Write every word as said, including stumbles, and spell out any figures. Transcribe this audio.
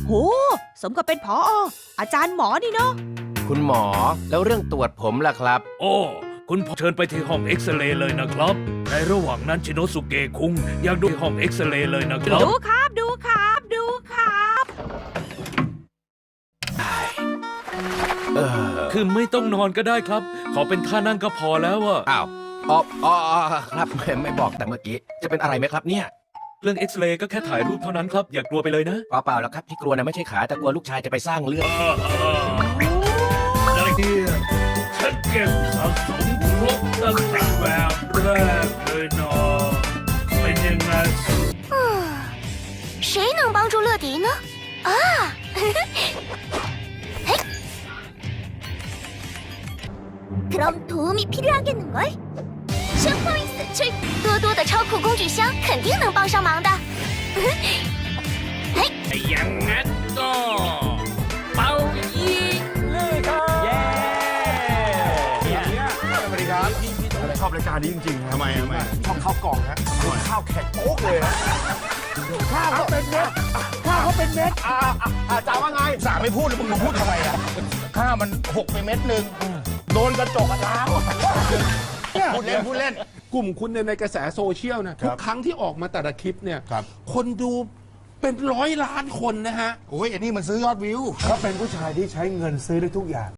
โหสมกับเป็นผออาจารย์หมอนี่เนาะคุณหมอแล้วเรื่องตรวจผมล่ะครับโอ้คุณเชิญไปที่ห้องเอ็กซเรย์เลยนะครับในระหว่างนั้นชิโนสุเกะคุงอยากดูห้องเอ็กซเรย์เลยนะครับดูครับดูครับดูครับเออคือไม่ต้องนอนก็ได้ครับขอเป็นท่านั่งก็พอแล้วอะอ้าวอ๋ออ๋อครับไม่บอกแต่เมื่อกี้จะเป็นอะไรไหมครับเนี่ยเรื่องเอ็กซเรย์ก็แค่ถ่ายรูปเท่านั้นครับอย่ากลัวไปเลยนะเปล่าๆแล้วครับที่กลัวนะไม่ใช่ขาแต่กลัวลูกชายจะไปสร้างเรื่องอะไรเนี่ยฉันเก็บสะสมครบตั้งแต่แบบแรกเลยเนาะเป็นยังไง谁能帮助乐迪呢？啊，嘿，그럼도움이필요하겠는걸？슈퍼윙스 출多多的超酷工具箱肯定能帮上忙的。嘿， อย่างนั้นก็เป่ายิงเลยครับเย้สวัสดีครับชอบรายการนี้จริงๆทำไมทำไมชอบข้าวกล่องฮะข้าวแข็งโป๊กเลยนะข้าวเขาเป็นเม็ดข้าวเขาเป็นเม็ดอ่าอ่าจ่าว่าไงจ่าไม่พูดเลยมึงมาพูดทำไมอ่ะข้าวมันหกไปเม็ดหนึ่งโดนกระจกกระทะพูดเล่นพูดเล่นกลุ่มคุณในกระแสโซเชียลนะทุกครั้งที่ออกมาแต่ละคลิปเนี่ยคนดูเป็นร้อยล้านคนนะฮะโอ้ยอันนี้มันซื้อยอดวิวเขาเป็นผู้ชายที่ใช้เงินซื้อได้ทุกอย่าง